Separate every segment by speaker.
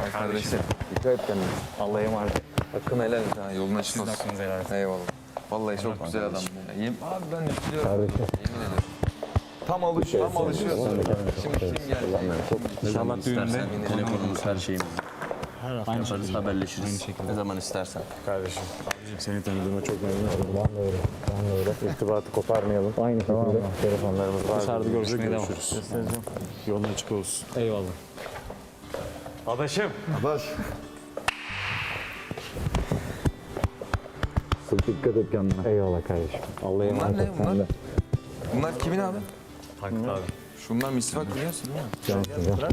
Speaker 1: Kardeşim. Dikkat et kendine. Allah'a emanet. Hakkını helal et ha. Yolun açık olsun.
Speaker 2: Sizin hakkınızı helal et.
Speaker 1: Eyvallah. Vallahi çok güzel adam. Abi ben üzülüyorum. Yemin ederim. Tam alışıyorsun. Şimdi kim geldi?
Speaker 2: İnşallah düğünde
Speaker 3: Telefonumuz, her şeyimiz.
Speaker 2: aynı
Speaker 3: Yaparız,
Speaker 2: şekilde.
Speaker 3: haberleşiriz.
Speaker 2: Aynı şekilde.
Speaker 3: Ne zaman istersen.
Speaker 4: Kardeşim. Seni tanıdığıma çok memnun oldum. Ben de öyle. Ben de öyle. İrtibatı koparmayalım. Aynı şekilde. Telefonlarımız var.
Speaker 2: Dışarıda görüşmeye devam.
Speaker 4: Görüşürüz. Yolun açık olsun.
Speaker 2: Eyvallah.
Speaker 4: Adaşım.
Speaker 5: Adaş. Sık dikkat et kendine.
Speaker 4: Eyvallah kardeşim. Allah'a
Speaker 1: Bunlar
Speaker 4: emanet
Speaker 1: ne?
Speaker 4: ol sen de.
Speaker 1: Bunlar kimin abi?
Speaker 2: Tankut abi.
Speaker 1: Şunlar misvak biliyorsun değil mi?
Speaker 4: Cansın.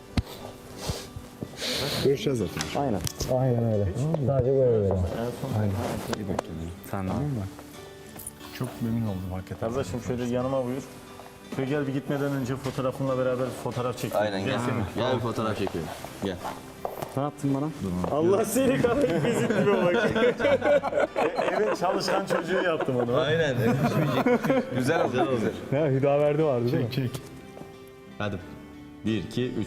Speaker 5: Görüşeceğiz zaten.
Speaker 4: Aynen. Aynen öyle. Sadece böyle böyle.
Speaker 2: Sen de.
Speaker 4: Çok memnun oldum hakikaten.
Speaker 6: Kardeşim şöyle yanıma buyur. Şöyle gel bir gitmeden önce fotoğrafınla beraber fotoğraf çekelim.
Speaker 3: Aynen gel. Gel bir fotoğraf çekelim. Gel.
Speaker 2: Ne yaptın bana?
Speaker 6: Allah seni kahretmesin gibi bak. Evet çalışkan çocuğu yaptım onu.
Speaker 3: Aynen.
Speaker 1: Güzel oldu. Güzel.
Speaker 4: Ne Hüdaverdi vardı değil mi? Çek.
Speaker 3: Hadi. 1, 2, 3.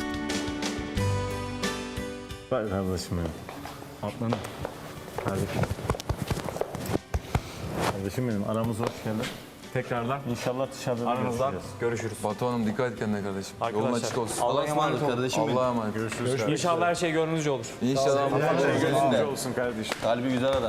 Speaker 6: Bak kardeşim benim.
Speaker 2: Atlanın.
Speaker 6: Kardeşim. Kardeşim benim aramız hoş geldin.
Speaker 2: Tekrardan
Speaker 6: İnşallah dışarıda da
Speaker 2: aranızda
Speaker 6: görüşeceğiz.
Speaker 2: görüşürüz.
Speaker 1: Batu Hanım dikkat et kendine kardeşim. Yolun
Speaker 2: Arkadaşlar,
Speaker 1: açık olsun.
Speaker 3: Allah'a emanet kardeşim benim.
Speaker 1: Allah'a emanet. Görüşürüz.
Speaker 2: İnşallah her şey gönlünüzce olur.
Speaker 1: İnşallah.
Speaker 3: Gözünde.
Speaker 4: Olsun kardeşim.
Speaker 3: Kalbi güzel adam.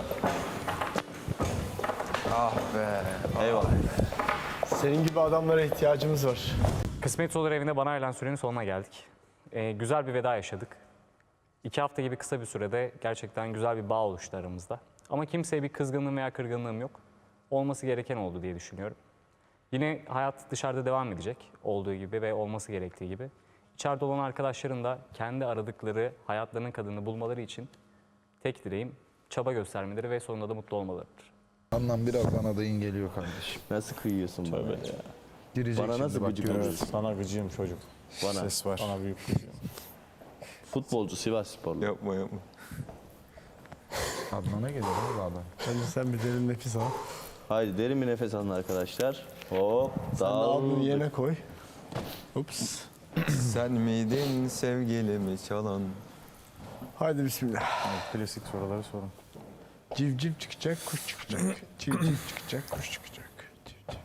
Speaker 1: Ah be.
Speaker 3: Eyvallah.
Speaker 5: Senin gibi adamlara ihtiyacımız var.
Speaker 2: Kısmet olur evinde bana ayrılan sürenin sonuna geldik. Güzel bir veda yaşadık. 2 hafta gibi kısa bir sürede gerçekten güzel bir bağ oluştu aramızda. Ama kimseye bir kızgınlığım veya kırgınlığım yok. Olması gereken oldu diye düşünüyorum. Yine hayat dışarıda devam edecek olduğu gibi ve olması gerektiği gibi. İçeride olan arkadaşların da kendi aradıkları hayatlarının kadını bulmaları için tek dileğim çaba göstermeleri ve sonunda da mutlu olmalarıdır.
Speaker 5: Anlam birazdan adayın geliyor kardeşim.
Speaker 3: Nasıl kıyıyorsun bana ya?
Speaker 5: Girecek
Speaker 3: Bana
Speaker 5: şimdi
Speaker 3: nasıl
Speaker 5: bak
Speaker 3: gıcık
Speaker 5: görürsün.
Speaker 3: oluyorsun?
Speaker 6: Sana gıcığım çocuk.
Speaker 3: Bana.
Speaker 5: Ses var.
Speaker 6: Sana büyük gıcığım.
Speaker 3: Futbolcu, Sivas Sporlu.
Speaker 1: Yapma yapma.
Speaker 5: Adnan'a gelir abi adam.
Speaker 4: Önce sen bir derin nefes al.
Speaker 3: Haydi derin bir nefes alın arkadaşlar. Hop.
Speaker 4: Al bunu
Speaker 3: Dağıldık.
Speaker 4: yerine koy. Ups.
Speaker 1: Sen miydin sevgilimi çalan?
Speaker 4: Haydi bismillah.
Speaker 6: Klasik soruları sorun.
Speaker 4: Civciv çıkacak, kuş çıkacak. Civciv çıkacak, kuş çıkacak. Civciv.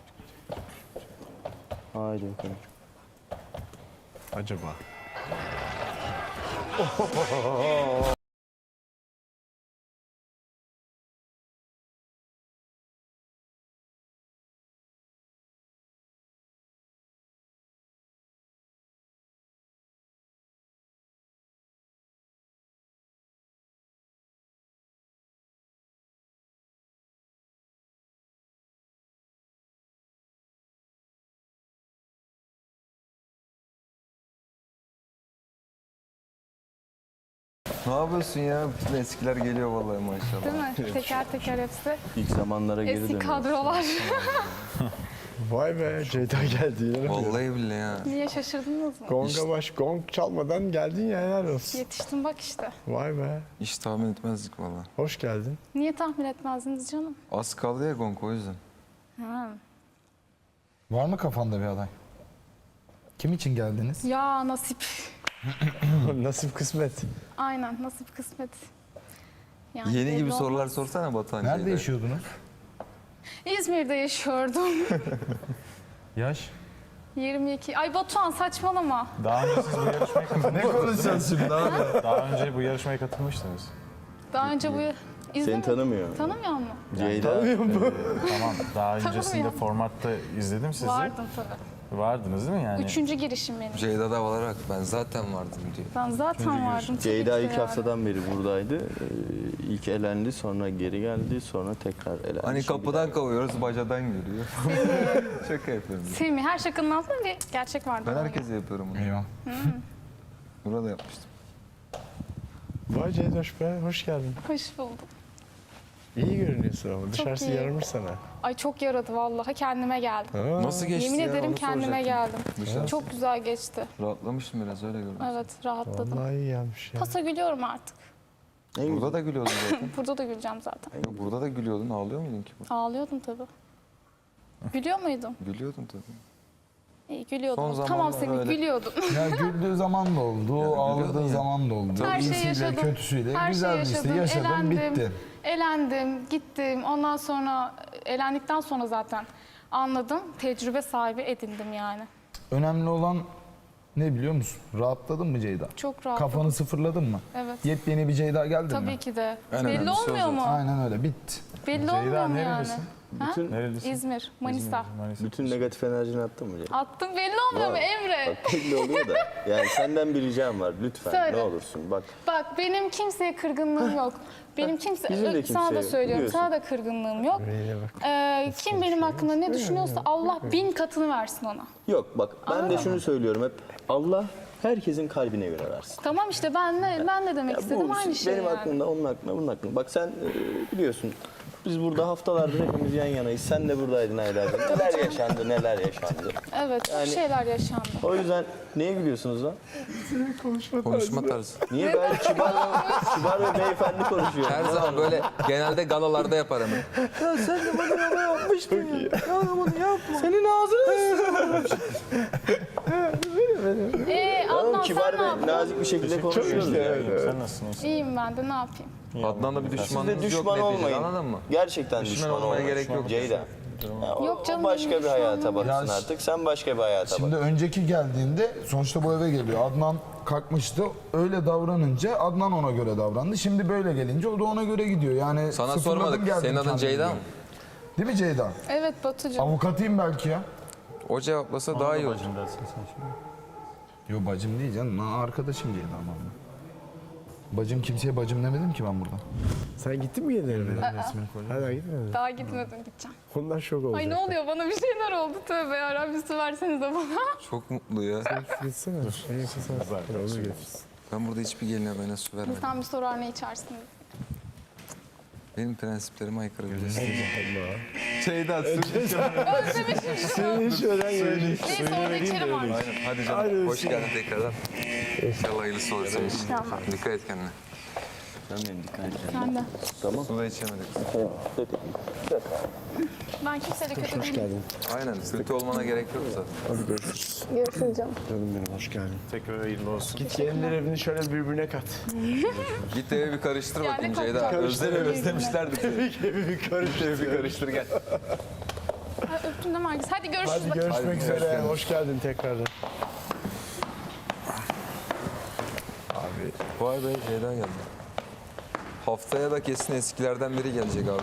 Speaker 3: Haydi bakalım.
Speaker 4: Acaba?
Speaker 1: Ne yapıyorsun ya? Bütün eskiler geliyor vallahi maşallah.
Speaker 7: Değil mi? Teker teker hepsi.
Speaker 3: İlk zamanlara geri
Speaker 7: Eski
Speaker 3: dönüyoruz.
Speaker 7: kadrolar.
Speaker 4: Vay be Ceyda geldi yine.
Speaker 1: Vallahi billahi ya.
Speaker 7: Niye şaşırdınız mı?
Speaker 4: Gonga baş, gong çalmadan geldin ya helal olsun.
Speaker 7: Yetiştim bak işte.
Speaker 4: Vay be.
Speaker 1: Hiç tahmin etmezdik vallahi.
Speaker 4: Hoş geldin.
Speaker 7: Niye tahmin etmezdiniz canım?
Speaker 1: Az kaldı ya Gonk o yüzden.
Speaker 7: Ha.
Speaker 5: Var mı kafanda bir aday? Kim için geldiniz?
Speaker 7: Ya nasip.
Speaker 4: Nasip kısmet.
Speaker 7: Aynen nasip kısmet. Yani
Speaker 1: Yeni
Speaker 7: belli
Speaker 1: gibi
Speaker 7: olmaz.
Speaker 1: sorular sorsana Batuhan.
Speaker 5: Nerede
Speaker 1: Ceyda.
Speaker 5: yaşıyordunuz?
Speaker 7: İzmir'de yaşıyordum.
Speaker 4: Yaş?
Speaker 7: 22. Ay Batuhan saçmalama.
Speaker 6: Daha önce siz bu yarışmaya
Speaker 1: Ne konuşacağız şimdi abi?
Speaker 6: Daha önce bu yarışmaya katılmıştınız.
Speaker 7: Daha önce bu
Speaker 3: Seni
Speaker 7: izlemedim.
Speaker 3: tanımıyor.
Speaker 7: Tanımıyor mu?
Speaker 3: Ceyda.
Speaker 6: Tamam. Daha öncesinde
Speaker 7: Tanımıyorum.
Speaker 6: formatta izledim sizi.
Speaker 7: Vardım tabii.
Speaker 6: Vardınız değil mi yani?
Speaker 7: Üçüncü girişim benim.
Speaker 1: Ceyda da olarak ben zaten vardım diyor.
Speaker 7: Ben zaten vardım. tabii
Speaker 3: Ceyda
Speaker 7: ki de
Speaker 3: ilk
Speaker 7: yani.
Speaker 3: haftadan beri buradaydı. İlk elendi, sonra geri geldi, sonra tekrar elendi.
Speaker 1: Hani
Speaker 3: Şimdi
Speaker 1: kapıdan kovuyoruz, bacadan geliyor. Şaka yapıyorum.
Speaker 7: Semih her şakanın altında bir gerçek vardı.
Speaker 1: Ben
Speaker 7: ona
Speaker 1: herkese yapıyorum bunu.
Speaker 5: Eyvah.
Speaker 1: Burada yapmıştım.
Speaker 4: Vay Ceydoş be, hoş geldin.
Speaker 7: göre. Hoş buldum.
Speaker 4: İyi görünüyorsun ama dışarısı
Speaker 7: iyi.
Speaker 4: yaramış sana.
Speaker 7: Ay çok yaradı vallahi kendime geldim.
Speaker 4: Ha.
Speaker 1: Nasıl geçti
Speaker 7: Yemin
Speaker 1: ya?
Speaker 7: ederim
Speaker 1: Onu
Speaker 7: kendime
Speaker 1: soracaktım.
Speaker 7: geldim.
Speaker 1: Dışarısı.
Speaker 7: Çok güzel geçti.
Speaker 1: Rahatlamıştım biraz öyle gördüm.
Speaker 7: Evet rahatladım.
Speaker 4: Vallahi iyi gelmiş ya.
Speaker 7: Pasa gülüyorum artık.
Speaker 1: Burada da gülüyordun zaten.
Speaker 7: Burada da güleceğim zaten.
Speaker 1: Ya burada da gülüyordun. Ağlıyor muydun ki?
Speaker 7: Ağlıyordum tabii. Gülüyor muydum?
Speaker 1: Gülüyordun tabii.
Speaker 7: İyi, gülüyordum.
Speaker 1: Son
Speaker 7: Tamam
Speaker 1: zamanlarda
Speaker 7: seni
Speaker 1: öyle.
Speaker 7: gülüyordum.
Speaker 5: Ya güldüğü zaman da oldu, ağladığı
Speaker 1: ya.
Speaker 5: zaman da oldu.
Speaker 7: Her şeyi
Speaker 5: İyisiyle,
Speaker 7: yaşadım.
Speaker 5: kötüsüyle.
Speaker 7: Her
Speaker 5: Güzel
Speaker 7: şeyi
Speaker 5: işte
Speaker 7: yaşadım.
Speaker 5: yaşadım, bitti.
Speaker 7: Elendim, gittim. Ondan sonra elendikten sonra zaten anladım. Tecrübe sahibi edindim yani.
Speaker 5: Önemli olan ne biliyor musun? Rahatladın mı Ceyda?
Speaker 7: Çok rahat.
Speaker 5: Kafanı sıfırladın mı?
Speaker 7: Evet.
Speaker 5: Yepyeni bir Ceyda geldi mi?
Speaker 7: Tabii ki de.
Speaker 1: En
Speaker 7: Belli
Speaker 1: önemlisi o
Speaker 7: olmuyor mu?
Speaker 5: Aynen öyle, bitti.
Speaker 7: Belli olmuyor mu yani?
Speaker 6: nerelisin?
Speaker 7: Ha?
Speaker 6: Nerelisin?
Speaker 7: İzmir, Manisa.
Speaker 3: Bütün negatif enerjini attın mı Ceyda?
Speaker 7: Attım belli olmuyor mu Emre?
Speaker 3: Bak belli oluyor da. Yani senden bir ricam var. Lütfen
Speaker 7: Söyle.
Speaker 3: ne olursun. Bak
Speaker 7: Bak benim kimseye kırgınlığım yok. Benim
Speaker 3: bizim de
Speaker 7: sana da
Speaker 3: kimseye
Speaker 7: söylüyorum.
Speaker 3: biliyorsun.
Speaker 7: Sana da kırgınlığım yok. Kim benim hakkında ne düşünüyorsa Allah 1000 katını versin ona.
Speaker 3: yok bak ben de şunu söylüyorum hep. Allah herkesin kalbine göre versin.
Speaker 7: Tamam işte ben ne demek
Speaker 3: Ya
Speaker 7: istedim
Speaker 3: bu
Speaker 7: aynı şey
Speaker 3: benim
Speaker 7: yani.
Speaker 3: aklımda, onun aklında, bunun aklında. Bak sen biliyorsun biz burada haftalardır hepimiz yan yanayız. Sen de buradaydın aylardır. Neler yaşandı, neler yaşandı.
Speaker 7: Evet, çok
Speaker 3: Yani-
Speaker 7: şeyler yaşandı.
Speaker 3: O yüzden neye gülüyorsunuz lan?
Speaker 1: Konuşma tarzı.
Speaker 3: Niye ben kibar ve beyefendi konuşuyorum?
Speaker 1: Her zaman böyle genelde galalarda yaparım.
Speaker 3: Oğlum
Speaker 7: Adnan
Speaker 3: kibar
Speaker 7: sen ne
Speaker 3: ve
Speaker 7: yaptın?
Speaker 3: nazik bir şekilde konuşuyoruz ya.
Speaker 6: Sen nasılsın?
Speaker 7: İyiyim ben de ne yapayım?
Speaker 1: Adnan'la bir
Speaker 3: Siz de
Speaker 1: düşmanınız yok
Speaker 3: düşman
Speaker 1: neticede,
Speaker 3: olmayın.
Speaker 1: anladın mı?
Speaker 3: Gerçekten
Speaker 1: Düşman
Speaker 3: düşman
Speaker 1: olmaya
Speaker 3: olmayın.
Speaker 1: gerek yok.
Speaker 3: Ceyda. Ya o-
Speaker 7: Yok canım,
Speaker 3: o başka
Speaker 7: benim
Speaker 3: bir hayata
Speaker 7: düşmanlığım
Speaker 3: baksın
Speaker 5: yok.
Speaker 3: artık. Sen başka bir hayata bak.
Speaker 5: Şimdi önceki geldiğinde sonuçta bu eve geliyor. Adnan kalkmıştı. Öyle davranınca Adnan ona göre davrandı. Şimdi böyle gelince o da ona göre gidiyor. Yani
Speaker 1: Sana
Speaker 5: sıfırladım
Speaker 1: sormadık.
Speaker 5: geldim
Speaker 1: Senin adın
Speaker 5: kendimi
Speaker 1: Ceyda
Speaker 5: diyor.
Speaker 1: mı?
Speaker 5: Değil mi Ceyda?
Speaker 7: Evet Batucuğum.
Speaker 5: Avukatıyım belki ya.
Speaker 1: O cevaplasa daha iyi olur.
Speaker 6: Bacım dersin sen şimdi.
Speaker 5: Yo bacım değil canım. Lan arkadaşım Ceyda ama. Bacım kimseye bacım demedim ki ben burada.
Speaker 4: Sen gittin mi yeni evine?
Speaker 5: Resmini koyacağım.
Speaker 4: Hala gitmedin.
Speaker 7: Daha gitmedim gideceğim.
Speaker 4: Onlar şok olacak.
Speaker 7: Ay ne oluyor bana bir şeyler oldu tövbe yarabbim bir su versenize bana.
Speaker 1: Çok mutlu ya.
Speaker 4: Gitsene. En yakın sen. Onu getirsin.
Speaker 1: Ben burada hiçbir geline bana su vermedim.
Speaker 7: Sen bir sorar ne içersiniz?
Speaker 1: Benim prensiplerime aykırı biliyorsun.
Speaker 5: Ceyda
Speaker 7: Özlemişim.
Speaker 4: Hiç öğrenmedim.
Speaker 7: Neyse orada içerim artık.
Speaker 1: Aynen. Hadi canım. Hoş geldin tekrardan. İnşallah hayırlısı olur senin için. Dikkat et kendine.
Speaker 3: Sen benim dikkat et.
Speaker 7: Sen de.
Speaker 1: Su da içemedik.
Speaker 7: Ben kimseyle kötü değilim.
Speaker 1: Aynen. Kötü olmana gerek yok zaten.
Speaker 7: Görüşürüz canım.
Speaker 4: Canım benim hoş geldin.
Speaker 6: Tekrar hayırlı olsun.
Speaker 4: Git gelinler evini şöyle birbirine kat.
Speaker 1: Git eve bir karıştır
Speaker 7: Yani
Speaker 1: bakayım
Speaker 7: kalkacağım.
Speaker 1: Ceyda.
Speaker 7: Karıştır.
Speaker 1: Özlemişlerdir seni.
Speaker 4: Evi bir karıştır.
Speaker 1: Evi bir karıştır gel.
Speaker 7: Ha, öptüm de Margis. Hadi görüşürüz.
Speaker 4: Hadi
Speaker 7: bakayım.
Speaker 4: görüşmek üzere. Hoş geldin tekrardan.
Speaker 1: Vay be Ceyda geldi. Haftaya da kesin eskilerden biri gelecek abi.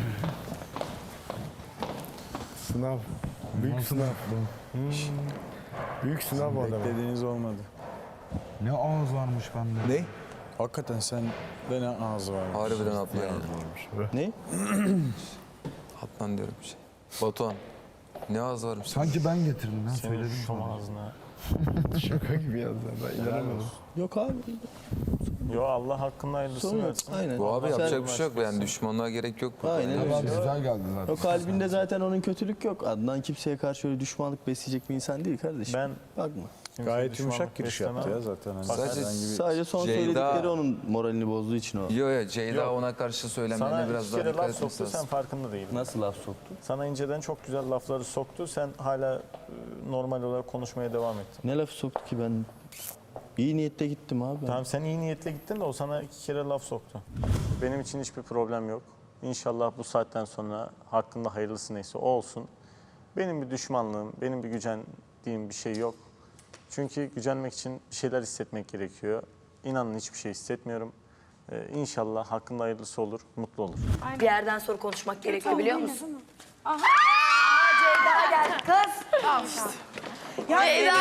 Speaker 4: Sınav. Büyük sınav. Büyük sınav bu adamın.
Speaker 6: Beklediğiniz olmadı.
Speaker 5: Ne ağız varmış bende.
Speaker 1: Ne?
Speaker 6: Hakikaten sen de ne ağzı var.
Speaker 1: Harbiden Adnan ya.
Speaker 3: Ne?
Speaker 1: Adnan diyorum bir şey. Batuhan. Ne ağız varmış.
Speaker 5: Sanki ben getirdim ben
Speaker 6: Senin
Speaker 5: söyledim
Speaker 6: şu
Speaker 5: sana.
Speaker 6: ağzına.
Speaker 4: Şaka gibi yazdı. Ben inanamadım.
Speaker 3: Yok abi.
Speaker 6: Yo Allah hakkında hayırlısını
Speaker 3: Sorun yok.
Speaker 6: versin.
Speaker 3: Aynen.
Speaker 1: Bu abi
Speaker 3: Sen-
Speaker 1: yapacak bir şey yok. Yani düşmanlığa gerek yok. burada.
Speaker 3: Aynen
Speaker 5: Ama
Speaker 3: öyle.
Speaker 5: güzel geldi zaten.
Speaker 3: O kalbinde zaten onun kötülük yok. Adnan kimseye karşı öyle düşmanlık besleyecek bir insan değil kardeşim.
Speaker 6: Ben
Speaker 3: Bakma.
Speaker 6: gayet
Speaker 4: Gayet
Speaker 6: yumuşak
Speaker 4: yumuşak
Speaker 6: giriş
Speaker 4: giriş
Speaker 6: yaptı
Speaker 4: yaptı
Speaker 6: ya
Speaker 4: ya
Speaker 6: zaten.
Speaker 1: Sadece-
Speaker 3: Sadece son
Speaker 1: Ceyda-
Speaker 3: söyledikleri onun moralini bozduğu için o.
Speaker 1: Yo yo Ceyda
Speaker 6: Yok.
Speaker 1: ona karşı söylemlerine
Speaker 6: Sana
Speaker 1: biraz
Speaker 6: iki
Speaker 1: daha
Speaker 6: kere
Speaker 1: dikkat
Speaker 6: laf
Speaker 1: etmesi
Speaker 6: soktu sen
Speaker 1: lazım.
Speaker 6: farkında değildin.
Speaker 3: Nasıl laf soktu?
Speaker 6: Sana inceden çok güzel lafları soktu. Sen hala normal olarak konuşmaya devam ettin.
Speaker 3: Ne laf soktu ki ben? İyi niyette gittim abi.
Speaker 6: Tamam sen iyi niyetle gittin de o sana iki kere laf soktu. Benim için hiçbir problem yok. İnşallah bu saatten sonra hakkında hayırlısı neyse o olsun. Benim bir düşmanlığım, benim bir gücendiğim bir şey yok. Çünkü gücenmek için bir şeyler hissetmek gerekiyor. İnanın hiçbir şey hissetmiyorum. İnşallah hakkında hayırlısı olur, mutlu olur.
Speaker 8: Bir yerden sonra konuşmak gerekiyor biliyor musun? Aha! Ceyda geldi kız. Ya Ceyda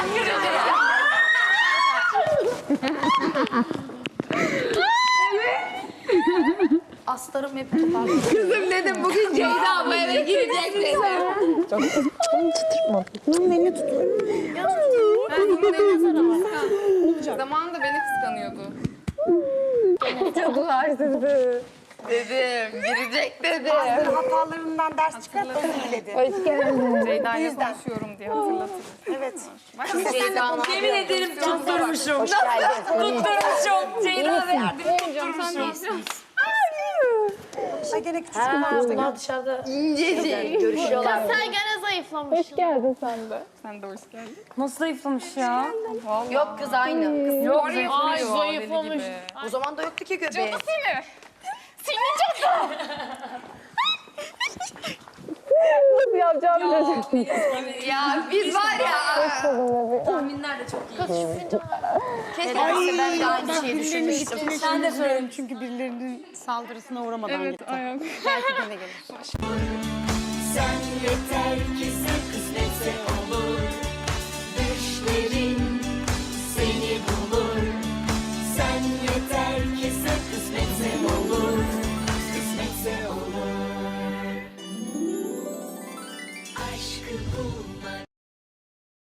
Speaker 7: Aslarım hep tutar.
Speaker 8: kızım dedim bugün Ceyda bu eve girecek dedim.
Speaker 7: Zamanında beni kıskanıyordu.
Speaker 8: Dedim girecek dedim.
Speaker 9: Hatalarından ders çıkart özür diledi.
Speaker 7: Ceyda'yla konuşuyorum diye hatırlatırım.
Speaker 9: Evet.
Speaker 8: Yemin ederim tutturmuşum. Nasıl tutturmuşum? Ceyda ve yardım
Speaker 7: Canım sen ne istiyorsun?
Speaker 9: Ay gene küçük
Speaker 8: Ha,
Speaker 9: kızlar da
Speaker 8: bunlar dışarıda görüşüyorlar.
Speaker 10: Sen gene zayıflamışsın.
Speaker 7: Hoş geldin sen de. Sen de hoş geldin.
Speaker 10: Nasıl zayıflamış ya?
Speaker 8: Yok kız aynı. Kız
Speaker 10: Yok ay zayıflamış.
Speaker 8: o zaman da yoktu ki göbeği.
Speaker 7: Seni. Seni çok
Speaker 8: Ya biz var ya. Tahminler de çok iyi. Keşke ben de aynı şeyi düşünmüştüm.
Speaker 9: Sen de söyledim çünkü birilerinin saldırısına uğramadan gitti.
Speaker 7: ayak.
Speaker 9: Belki gene gelir.
Speaker 11: Sen yeter ki sen